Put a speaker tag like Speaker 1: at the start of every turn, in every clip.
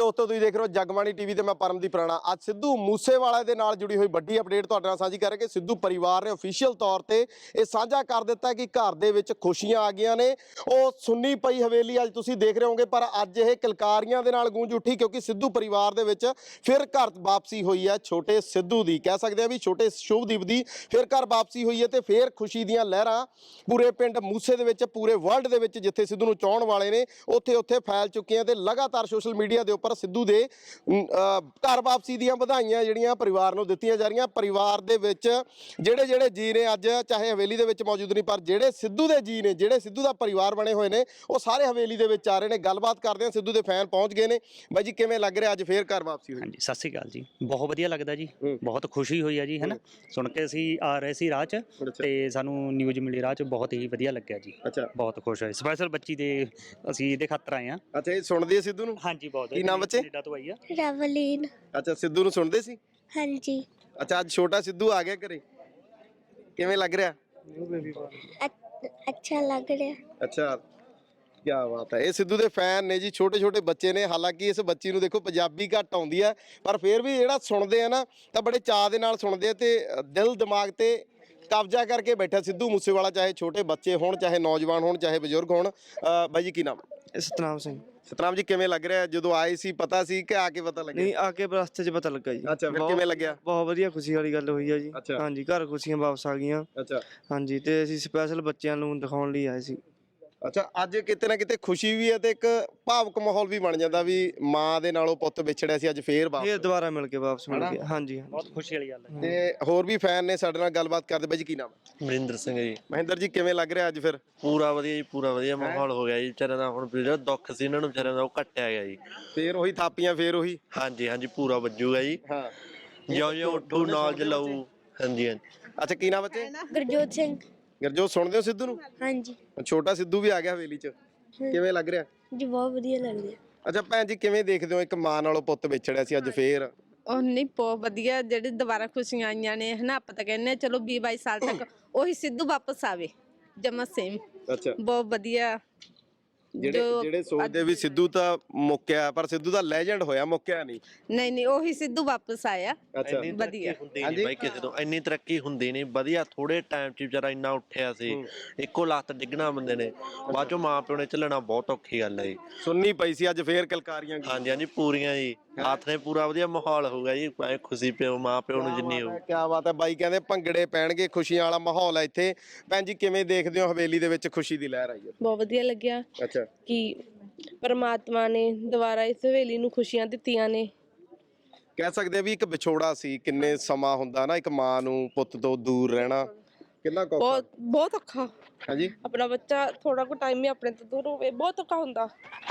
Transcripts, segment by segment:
Speaker 1: ਦੋਸਤੋ ਤੁਸੀਂ ਦੇਖ ਰਹੇ ਹੋ ਜਗਬਾਣੀ ਟੀਵੀ ਤੇ ਮੈਂ ਪਰਮਦੀਪ ਰਾਣਾ। ਅੱਜ ਸਿੱਧੂ ਮੂਸੇਵਾਲਾ ਦੇ ਨਾਲ ਜੁੜੀ ਹੋਈ ਵੱਡੀ ਅਪਡੇਟ ਤੁਹਾਡੇ ਨਾਲ ਸਾਂਝੀ ਕਰਾਂਗੇ। ਸਿੱਧੂ ਪਰਿਵਾਰ ਨੇ ਅਫੀਸ਼ੀਅਲ ਤੌਰ ਤੇ ਇਹ ਸਾਂਝਾ ਕਰ ਦਿੱਤਾ ਕਿ ਘਰ ਦੇ ਵਿੱਚ ਖੁਸ਼ੀਆਂ ਆ ਗਈਆਂ ਨੇ। ਉਹ ਸੁੰਨੀ ਪਈ ਹਵੇਲੀ ਅੱਜ ਤੁਸੀਂ ਦੇਖ ਰਹੇ ਹੋਗੇ, ਪਰ ਅੱਜ ਇਹ ਕਿਲਕਾਰੀਆਂ ਦੇ ਨਾਲ ਗੂੰਜ ਉੱਠੀ ਕਿਉਂਕਿ ਸਿੱਧੂ ਪਰਿਵਾਰ ਦੇ ਵਿੱਚ ਫਿਰ ਘਰ ਵਾਪਸੀ ਹੋਈ ਹੈ। ਛੋਟੇ ਸਿੱਧੂ ਦੀ ਕਹਿ ਸਕਦੇ ਆ ਵੀ ਛੋਟੇ ਸ਼ੁਭਦੀਪ ਦੀ ਫਿਰ ਘਰ ਵਾਪਸੀ ਹੋਈ ਹੈ ਤੇ ਫਿਰ ਖੁਸ਼ੀ ਦੀਆਂ ਲਹਿਰਾਂ ਪੂਰੇ ਪਿੰਡ ਮੂਸੇ ਦੇ ਵਿੱਚ, ਪੂਰੇ ਵਰਲਡ ਦੇ ਵਿੱਚ ਜਿੱਥੇ ਸਿੱਧੂ ਨੂੰ ਚਾਹਣ ਵਾਲੇ ਨੇ ਉੱਥੇ ਫੈਲ ਚੁੱਕੀਆਂ ਤੇ ਲਗਾਤਾਰ ਸੋਸ਼ਲ ਮੀਡੀਆ ਦੇ ਉੱਪਰ ਸਿੱਧੂ ਦੇ ਘਰ ਵਾਪਸੀ ਦੀਆਂ ਵਧਾਈਆਂ ਜਿਹੜੀਆਂ ਪਰਿਵਾਰ ਨੂੰ ਦਿੱਤੀਆਂ ਜਾ ਰਹੀਆਂ। ਪਰਿਵਾਰ ਦੇ ਵਿੱਚ ਜਿਹੜੇ ਜੀ ਨੇ ਅੱਜ ਚਾਹੇ ਹਵੇਲੀ ਦੇ ਵਿੱਚ ਮੌਜੂਦ ਨਹੀਂ, ਪਰ ਜਿਹੜੇ ਸਿੱਧੂ ਦੇ ਜੀ ਨੇ, ਜਿਹੜੇ ਸਿੱਧੂ ਦਾ ਪਰਿਵਾਰ ਬਣੇ ਹੋਏ ਨੇ, ਉਹ ਸਾਰੇ ਹਵੇਲੀ ਦੇ ਵਿੱਚ ਆ ਰਹੇ ਨੇ। ਗੱਲਬਾਤ ਕਰਦੇ ਹਾਂ, ਸਿੱਧੂ ਦੇ ਫੈਨ ਪਹੁੰਚ ਗਏ ਨੇ। ਬਾਈ ਜੀ ਕਿਵੇਂ ਲੱਗ ਰਿਹਾ ਅੱਜ ਫੇਰ ਘਰ ਵਾਪਸੀ ਹੋਈ?
Speaker 2: ਹਾਂਜੀ ਸਤਿ ਸ਼੍ਰੀ ਅਕਾਲ ਜੀ। ਬਹੁਤ ਵਧੀਆ ਲੱਗਦਾ ਜੀ, ਬਹੁਤ ਖੁਸ਼ੀ ਹੋਈ ਹੈ ਜੀ, ਹੈ ਨਾ। ਸੁਣ ਕੇ ਅਸੀਂ ਆ ਰਹੇ ਸੀ ਰਾਹ 'ਚ ਤੇ ਸਾਨੂੰ ਨਿਊਜ਼ ਮਿਲੀ ਰਾਹ 'ਚ, ਬਹੁਤ ਹੀ ਵਧੀਆ ਲੱਗਿਆ ਜੀ। ਬਹੁਤ ਖੁਸ਼ ਹੋਏ। ਸਪੈਸ਼ਲ ਬੱਚੀ ਦੇ ਅਸੀਂ ਇਹਦੇ ਖਾਤਰ ਆਏ ਹਾਂ।
Speaker 1: ਅੱਛਾ, ਇਹ ਸੁਣਦੇ ਆ ਸਿੱਧੂ ਨੂੰ?
Speaker 2: ਹਾਂਜੀ ਬਹੁਤ।
Speaker 1: ਕੀ ਨਾਮ ਬੱਚੇ?
Speaker 2: ਕੈਨੇਡਾ ਤੋਂ ਆਈ ਆ
Speaker 3: ਰਵਲੀਨ।
Speaker 1: ਅੱਛਾ, ਸਿੱਧੂ ਨੂੰ ਸੁਣਦੇ ਸੀ?
Speaker 3: ਹਾਂਜੀ।
Speaker 1: ਅੱਛਾ, ਅੱਜ ਛੋਟਾ ਸਿੱਧੂ ਆ ਗਿਆ ਘਰੇ, ਕਿਵੇਂ ਲੱਗ ਰਿਹਾ?
Speaker 3: ਅੱਛਾ ਲੱਗ ਰਿਹਾ।
Speaker 1: ਅੱਛਾ, ਕੀ ਬਾਤ ਹੈ। ਇਹ ਸਿੱਧੂ ਦੇ ਫੈਨ ਨੇ ਜੀ, ਛੋਟੇ ਛੋਟੇ ਬੱਚੇ ਨੇ। ਹਾਲਾਂਕਿ ਇਸ ਬੱਚੀ ਨੂੰ ਦੇਖੋ ਪੰਜਾਬੀ ਘੱਟ ਆਉਂਦੀ ਹੈ, ਪਰ ਫਿਰ ਵੀ ਜਿਹੜਾ ਸੁਣਦੇ ਆ ਨਾ ਤਾਂ ਬੜੇ ਚਾਅ ਦੇ ਨਾਲ ਸੁਣਦੇ ਆ ਤੇ ਦਿਲ ਦਿਮਾਗ ਤੇ ਕਬਜ਼ਾ ਕਰਕੇ ਬੈਠਾ ਸਿੱਧੂ ਮੂਸੇਵਾਲਾ। ਚਾਹੇ ਛੋਟੇ ਬੱਚੇ ਹੋਣ, ਚਾਹੇ ਨੌਜਵਾਨ ਹੋਣ, ਚਾਹੇ ਬਜ਼ੁਰਗ ਹੋਣ। ਬਾਈ ਜੀ ਕੀ ਨਾਮ?
Speaker 4: ਸਤਨਾਮ ਸਿੰਘ।
Speaker 1: ਸਤਨਾਮ ਜੀ ਕਿਵੇਂ ਲੱਗ ਰਿਹਾ? ਜਦੋਂ ਆਏ ਸੀ ਪਤਾ ਸੀ ਕਿ ਆ ਕੇ ਪਤਾ ਲੱਗਿਆ?
Speaker 4: ਨਹੀਂ, ਆ ਕੇ ਰਸਤੇ 'ਚ ਪਤਾ ਲੱਗਾ ਜੀ।
Speaker 1: ਅੱਛਾ, ਫਿਰ ਕਿਵੇਂ ਲੱਗਿਆ?
Speaker 4: ਬਹੁਤ ਵਧੀਆ, ਖੁਸ਼ੀ ਵਾਲੀ ਗੱਲ ਹੋਈ ਆ ਜੀ। ਹਾਂਜੀ, ਘਰ ਖੁਸ਼ੀਆਂ ਵਾਪਸ ਆ ਗਈਆਂ।
Speaker 1: ਅੱਛਾ
Speaker 4: ਹਾਂਜੀ, ਤੇ ਅਸੀਂ ਸਪੈਸ਼ਲ ਬੱਚਿਆਂ ਨੂੰ ਦਿਖਾਉਣ ਲਈ ਆਏ ਸੀ।
Speaker 1: ਅੱਛਾ, ਅੱਜ ਕਿਤੇ ਨਾ ਕਿਤੇ ਖੁਸ਼ੀ ਵੀ ਹੈ ਤੇ ਇੱਕ ਭਾਵੁਕ ਮਾਹੌਲ ਵੀ ਬਣ ਜਾਂਦਾ ਵੀ ਮਾਂ ਦੇ ਨਾਲੋਂ ਪੁੱਤ ਵਿਛੜਿਆ ਸੀ, ਅੱਜ ਫੇਰ
Speaker 4: ਦੁਬਾਰਾ ਮਿਲ ਕੇ ਵਾਪਸ ਮਿਲ ਗਏ। ਹਾਂਜੀ,
Speaker 2: ਬਹੁਤ ਖੁਸ਼ੀ ਵਾਲੀ ਗੱਲ ਹੈ।
Speaker 1: ਤੇ ਹੋਰ ਵੀ ਫੈਨ ਨੇ ਸਾਡੇ ਨਾਲ ਗੱਲਬਾਤ ਕਰਦੇ। ਬਾਈ ਜੀ ਕੀ ਨਾਮ?
Speaker 5: ਮਹਿੰਦਰ ਸਿੰਘ ਜੀ।
Speaker 1: ਮਹਿੰਦਰ ਜੀ ਕਿਵੇਂ ਲੱਗ ਰਿਹਾ ਅੱਜ ਫਿਰ?
Speaker 5: ਪੂਰਾ ਵਧੀਆ ਜੀ, ਪੂਰਾ ਵਧੀਆ ਮਾਹੌਲ ਹੋ ਗਿਆ ਜੀ। ਵਿਚਾਰਿਆਂ ਦਾ ਹੁਣ ਜਿਹੜਾ ਦੁੱਖ ਸੀ ਇਹਨਾਂ ਨੂੰ ਵਿਚਾਰਿਆਂ ਦਾ ਉਹ ਘਟਿਆ ਗਿਆ ਜੀ।
Speaker 1: ਫੇਰ ਉਹੀ ਥਾਪੀਆਂ, ਫੇਰ ਉਹੀ।
Speaker 5: ਹਾਂਜੀ ਹਾਂਜੀ, ਪੂਰਾ ਵੱਜੂਗਾ ਜੀ।
Speaker 1: ਹਾਂ,
Speaker 5: ਜਿਉਂ ਉੱਠੂ ਨੌਲੇਜ ਲਊ। ਹਾਂਜੀ ਹਾਂਜੀ।
Speaker 1: ਅੱਛਾ, ਕੀ ਨਾਮ ਬੱਚੇ?
Speaker 3: ਗੁਰਜੋਤ ਸਿੰਘ।
Speaker 1: ਗੁਰਜੋਤ ਸੁਣਦੇ ਹੋ ਸਿੱਧੂ ਨੂੰ?
Speaker 3: ਹਾਂਜੀ
Speaker 1: ਛੋਟਾ ਸਿੱਧੂ ਵੀ ਆ ਗਿਆ ਹਵੇਲੀ 'ਚ, ਕਿਵੇਂ ਲੱਗ ਰਿਹਾ
Speaker 3: ਜੀ? ਬਹੁਤ ਵਧੀਆ ਲੱਗ ਰਿਹਾ।
Speaker 1: ਅੱਛਾ ਭੈਣ ਜੀ, ਕਿਵੇਂ ਦੇਖਦੇ ਹੋ ਇੱਕ ਮਾਂ ਨਾਲੋਂ ਪੁੱਤ ਵਿਛੜਿਆ ਸੀ, ਅੱਜ ਫੇਰ?
Speaker 6: ਉਹ ਨਹੀਂ, ਬਹੁਤ ਵਧੀਆ। ਜਿਹੜੇ ਦੁਬਾਰਾ ਖੁਸ਼ੀਆਂ ਆਈਆਂ ਨੇ, ਹਨਾ। ਆਪਾਂ ਤਾਂ ਕਹਿੰਦੇ ਚਲੋ 20-22 ਸਾਲ ਤੱਕ ਉਹੀ ਸਿੱਧੂ ਵਾਪਸ ਆਵੇ, ਜਮਾ ਸੇਮ।
Speaker 1: ਅੱਛਾ,
Speaker 6: ਬਹੁਤ ਵਧੀਆ।
Speaker 1: ਜਿਹੜੇ ਸੋਚਦੇ ਵੀ ਸਿੱਧੂ ਤਾਂ ਮੁੱਕਿਆ, ਪਰ ਸਿੱਧੂ ਦਾ ਲੈਜੈਂਡ ਹੋਇਆ, ਮੁੱਕਿਆ ਨਹੀਂ।
Speaker 6: ਨਹੀਂ, ਉਹੀ ਸਿੱਧੂ ਵਾਪਸ ਆਇਆ।
Speaker 1: ਅੱਛਾ,
Speaker 6: ਵਧੀਆ।
Speaker 5: ਹੁੰਦੀ ਨਹੀਂ ਬਾਈ ਕਿਸੇ ਤੋਂ, ਇੰਨੀ ਤਰੱਕੀ ਹੁੰਦੀ ਨਹੀਂ। ਵਧੀਆ ਥੋੜੇ ਟਾਈਮ 'ਚ ਵਿਚਾਰਾ ਇੰਨਾ ਉੱਠਿਆ ਸੀ। ਇੱਕੋ ਲੱਤ ਡਿੱਗਣਾ ਬੰਦੇ ਨੇ, ਬਾਅਦ ਚੋਂ ਮਾਂ ਪਿਓ ਨੇ ਝੱਲਣਾ ਬਹੁਤ ਔਖੀ ਗੱਲ ਹੈ ਜੀ।
Speaker 1: ਸੁਣਨੀ ਪਈ ਸੀ, ਅੱਜ ਫੇਰ ਕਿਲਕਾਰੀਆਂ।
Speaker 5: ਹਾਂਜੀ ਹਾਂਜੀ, ਪੂਰੀਆਂ ਜੀ। ਹੱਥ ਨੇ ਪੂਰਾ ਵਧੀਆ ਮਾਹੌਲ ਹੋਊਗਾ ਜੀ। ਖੁਸ਼ੀ ਪਿਓ ਮਾਂ ਪਿਓ ਨੂੰ ਜਿੰਨੀ ਹੋਊ।
Speaker 1: ਕਿਆ ਬਾਤ ਹੈ। ਬਾਈ ਕਹਿੰਦੇ ਭੰਗੜੇ ਪੈਣਗੇ, ਖੁਸ਼ੀਆਂ ਵਾਲਾ ਮਾਹੌਲ ਹੈ ਇੱਥੇ। ਭੈਣ ਜੀ ਕਿਵੇਂ ਦੇਖਦੇ ਹੋ ਹਵੇਲੀ ਦੇ ਵਿੱਚ ਖੁਸ਼ੀ ਦੀ ਲਹਿਰ ਆਈ ਹੈ?
Speaker 7: ਬਹੁਤ ਵਧੀਆ ਲੱਗਿਆ
Speaker 1: ਅੱਛਾ,
Speaker 7: ਕਿ ਪਰਮਾਤਮਾ ਨੇ ਦੁਬਾਰਾ ਇਸ ਹਵੇਲੀ ਨੂੰ ਖੁਸ਼ੀਆਂ ਦਿੱਤੀਆਂ ਨੇ।
Speaker 1: ਕਹਿ ਸਕਦੇ ਆ ਵੀ ਇੱਕ ਵਿਛੋੜਾ ਸੀ, ਕਿੰਨੇ ਸਮਾਂ ਹੁੰਦਾ ਨਾ ਇੱਕ ਮਾਂ ਨੂੰ ਪੁੱਤ ਤੋਂ ਦੂਰ ਰਹਿਣਾ, ਕਿੰਨਾ ਔਖਾ।
Speaker 7: ਬਹੁਤ ਔਖਾ।
Speaker 1: ਹਾਂਜੀ,
Speaker 7: ਆਪਣਾ ਬੱਚਾ ਥੋੜਾ ਕੁ ਟਾਈਮ ਹੀ ਆਪਣੇ ਤੋਂ ਦੂਰ ਹੋਵੇ, ਬਹੁਤ ਔਖਾ ਹੁੰਦਾ।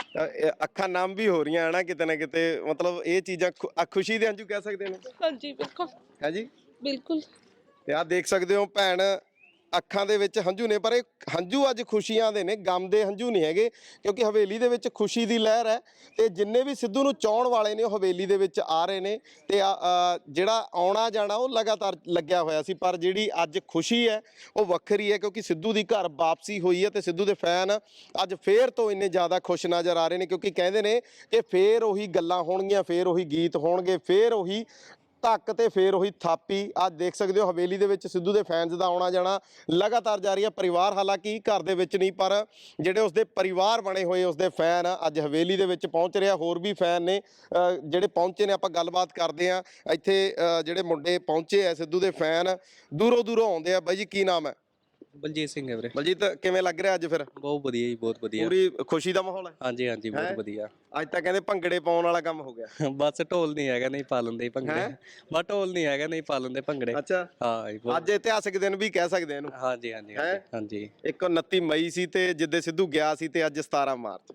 Speaker 1: ਅੱਖਾਂ ਨਮ ਵੀ ਹੋ ਰਹੀਆਂ ਹੈ ਕਿਤੇ ਨਾ ਕਿਤੇ, ਮਤਲਬ ਇਹ ਚੀਜ਼ਾਂ ਖੁਸ਼ੀ ਦੇ ਹੰਝੂ ਕਹਿ ਸਕਦੇ ਨੇ।
Speaker 7: ਹਾਂਜੀ ਬਿਲਕੁਲ।
Speaker 1: ਹੈ ਜੀ,
Speaker 7: ਬਿਲਕੁਲ।
Speaker 1: ਤੇ ਆਹ ਦੇਖ ਸਕਦੇ ਹੋ ਭੈਣ, ਅੱਖਾਂ ਦੇ ਵਿੱਚ ਹੰਝੂ ਨੇ, ਪਰ ਇਹ ਹੰਝੂ ਅੱਜ ਖੁਸ਼ੀਆਂ ਦੇ ਨੇ, ਗਮ ਦੇ ਹੰਝੂ ਨਹੀਂ ਹੈਗੇ, ਕਿਉਂਕਿ ਹਵੇਲੀ ਦੇ ਵਿੱਚ ਖੁਸ਼ੀ ਦੀ ਲਹਿਰ ਹੈ। ਤੇ ਜਿੰਨੇ ਵੀ ਸਿੱਧੂ ਨੂੰ ਚਾਹਣ ਵਾਲੇ ਨੇ ਉਹ ਹਵੇਲੀ ਦੇ ਵਿੱਚ ਆ ਰਹੇ ਨੇ ਤੇ ਜਿਹੜਾ ਆਉਣਾ ਜਾਣਾ ਉਹ ਲਗਾਤਾਰ ਲੱਗਿਆ ਹੋਇਆ ਸੀ, ਪਰ ਜਿਹੜੀ ਅੱਜ ਖੁਸ਼ੀ ਹੈ ਉਹ ਵੱਖਰੀ ਹੈ ਕਿਉਂਕਿ ਸਿੱਧੂ ਦੀ ਘਰ ਵਾਪਸੀ ਹੋਈ ਹੈ। ਤੇ ਸਿੱਧੂ ਦੇ ਫੈਨ ਅੱਜ ਫੇਰ ਤੋਂ ਇੰਨੇ ਜ਼ਿਆਦਾ ਖੁਸ਼ ਨਜ਼ਰ ਆ ਰਹੇ ਨੇ ਕਿਉਂਕਿ ਕਹਿੰਦੇ ਨੇ ਕਿ ਫੇਰ ਉਹੀ ਗੱਲਾਂ ਹੋਣਗੀਆਂ, ਫੇਰ ਉਹੀ ਗੀਤ ਹੋਣਗੇ, ਫੇਰ ਉਹੀ ਧੱਕ ਤੇ ਫੇਰ ਉਹੀ ਥਾਪੀ। ਅੱਜ ਦੇਖ ਸਕਦੇ ਹੋ ਹਵੇਲੀ ਦੇ ਵਿੱਚ ਸਿੱਧੂ ਦੇ ਫੈਨਸ ਦਾ ਆਉਣਾ ਜਾਣਾ ਲਗਾਤਾਰ ਜਾਰੀ ਹੈ। ਪਰਿਵਾਰ ਹਾਲਾਂਕਿ ਘਰ ਦੇ ਵਿੱਚ ਨਹੀਂ, ਪਰ ਜਿਹੜੇ ਉਸਦੇ ਪਰਿਵਾਰ ਬਣੇ ਹੋਏ ਉਸਦੇ ਫੈਨ ਅੱਜ ਹਵੇਲੀ ਦੇ ਵਿੱਚ ਪਹੁੰਚ ਰਿਹਾ। ਹੋਰ ਵੀ ਫੈਨ ਨੇ ਜਿਹੜੇ ਪਹੁੰਚੇ ਨੇ, ਆਪਾਂ ਗੱਲਬਾਤ ਕਰਦੇ ਹਾਂ। ਇੱਥੇ ਜਿਹੜੇ ਮੁੰਡੇ ਪਹੁੰਚੇ ਆ ਸਿੱਧੂ ਦੇ ਫੈਨ, ਦੂਰੋਂ ਦੂਰੋਂ ਆਉਂਦੇ ਆ। ਬਾਈ ਜੀ ਕੀ ਨਾਮ ਹੈ?
Speaker 8: ਬਲਜੀਤ ਸਿੰਘ ਹੈ ਵੀਰੇ।
Speaker 1: ਬਲਜੀਤ ਕਿਵੇਂ ਲੱਗ ਰਿਹਾ ਅੱਜ ਫਿਰ?
Speaker 8: ਬਹੁਤ ਵਧੀਆ ਜੀ, ਬਹੁਤ ਵਧੀਆ।
Speaker 1: ਪੂਰੀ ਖੁਸ਼ੀ ਦਾ ਮਾਹੌਲ ਹੈ?
Speaker 8: ਹਾਂਜੀ ਹਾਂਜੀ, ਬਹੁਤ ਵਧੀਆ।
Speaker 1: ਅੱਜ ਤਾਂ ਕਹਿੰਦੇ ਭੰਗੜੇ ਪਾਉਣ ਵਾਲਾ ਕੰਮ ਹੋ ਗਿਆ।
Speaker 8: ਬਸ ਢੋਲ ਨਹੀਂ ਹੈਗਾ, ਨਹੀਂ ਪਾ ਲੈਂਦੇ ਭੰਗੜੇ। ਬਸ ਢੋਲ ਨਹੀਂ ਹੈਗਾ, ਨਹੀਂ ਪਾ ਲੈਂਦੇ ਭੰਗੜੇ।
Speaker 1: ਅੱਛਾ,
Speaker 8: ਹਾਂ।
Speaker 1: ਅੱਜ ਇਤਿਹਾਸਿਕ ਦਿਨ ਵੀ ਕਹਿ ਸਕਦੇ ਇਹਨੂੰ।
Speaker 8: ਹਾਂਜੀ ਹਾਂਜੀ ਹਾਂਜੀ।
Speaker 1: ਇੱਕ 29 ਮਈ ਸੀ ਤੇ ਜਿੱਦੇ ਸਿੱਧੂ ਗਿਆ ਸੀ, ਤੇ ਅੱਜ 17 ਮਾਰਚ।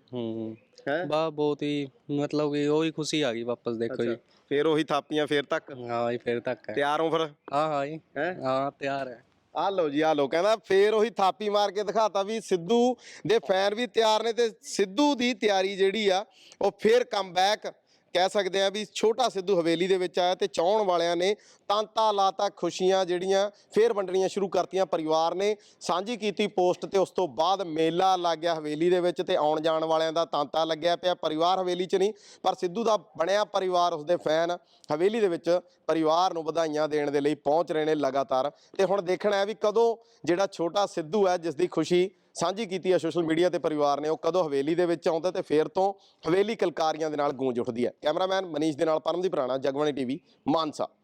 Speaker 8: ਬਾ ਬਹੁਤ ਹੀ ਮਤਲਬ ਕਿ ਉਹੀ ਖੁਸ਼ੀ ਆ ਗਈ ਵਾਪਸ। ਦੇਖੋ ਜੀ,
Speaker 1: ਫੇਰ ਉਹੀ ਥਾਪੀਆਂ, ਫੇਰ ਤੱਕ।
Speaker 8: ਹਾਂ ਜੀ, ਫੇਰ ਤੱਕ।
Speaker 1: ਤਿਆਰ ਹੋ ਫਿਰ?
Speaker 8: ਹਾਂ ਜੀ, ਹਾਂ ਤਿਆਰ ਹੈ।
Speaker 1: ਆ ਲਓ ਜੀ, ਆ ਲਓ। ਕਹਿੰਦਾ ਫੇਰ ਉਹੀ ਥਾਪੀ ਮਾਰ ਕੇ ਦਿਖਾਤਾ ਵੀ ਸਿੱਧੂ ਦੇ ਫੈਨ ਵੀ ਤਿਆਰ ਨੇ ਤੇ ਸਿੱਧੂ ਦੀ ਤਿਆਰੀ ਜਿਹੜੀ ਆ ਉਹ ਫੇਰ ਕਮਬੈਕ ਕਹਿ ਸਕਦੇ ਆ ਵੀ ਛੋਟਾ ਸਿੱਧੂ ਹਵੇਲੀ ਦੇ ਵਿੱਚ ਆਇਆ ਤੇ ਚਾਹਣ ਵਾਲਿਆਂ ਨੇ ਤਾਂਤਾ ਲਾਤਾ, ਖੁਸ਼ੀਆਂ ਜਿਹੜੀਆਂ ਫੇਰ ਵੰਡਣੀਆਂ ਸ਼ੁਰੂ ਕਰਤੀਆਂ। ਪਰਿਵਾਰ ਨੇ ਸਾਂਝੀ ਕੀਤੀ ਪੋਸਟ ਤੇ ਉਸ ਤੋਂ ਬਾਅਦ ਮੇਲਾ ਲੱਗ ਗਿਆ ਹਵੇਲੀ ਦੇ ਵਿੱਚ ਤੇ ਆਉਣ ਜਾਣ ਵਾਲਿਆਂ ਦਾ ਤਾਂਤਾ ਲੱਗਿਆ ਪਿਆ। ਪਰਿਵਾਰ ਹਵੇਲੀ 'ਚ ਨਹੀਂ ਪਰ ਸਿੱਧੂ ਦਾ ਬਣਿਆ ਪਰਿਵਾਰ, ਉਸਦੇ ਫੈਨ ਹਵੇਲੀ ਦੇ ਵਿੱਚ ਪਰਿਵਾਰ ਨੂੰ ਵਧਾਈਆਂ ਦੇਣ ਦੇ ਲਈ ਪਹੁੰਚ ਰਹੇ ਨੇ ਲਗਾਤਾਰ। ਤੇ ਹੁਣ ਦੇਖਣਾ ਹੈ ਵੀ ਕਦੋਂ ਜਿਹੜਾ ਛੋਟਾ ਸਿੱਧੂ ਹੈ ਜਿਸ ਦੀ ਖੁਸ਼ੀ ਸਾਂਝੀ ਕੀਤੀ ਹੈ ਸੋਸ਼ਲ ਮੀਡੀਆ ਤੇ ਪਰਿਵਾਰ ਨੇ, ਉਹ ਕਦੋਂ ਹਵੇਲੀ ਦੇ ਵਿੱਚ ਆਉਂਦਾ ਤੇ ਫੇਰ ਤੋਂ ਹਵੇਲੀ ਕਲਕਾਰੀਆਂ ਦੇ ਨਾਲ ਗੂੰਜ ਉੱਠਦੀ ਹੈ। ਕੈਮਰਾਮੈਨ ਮਨੀਸ਼ ਦੇ ਨਾਲ ਪਰਮਦੀਪ ਰਾਣਾ, ਜਗਬਾਣੀ ਟੀਵੀ, ਮਾਨਸਾ।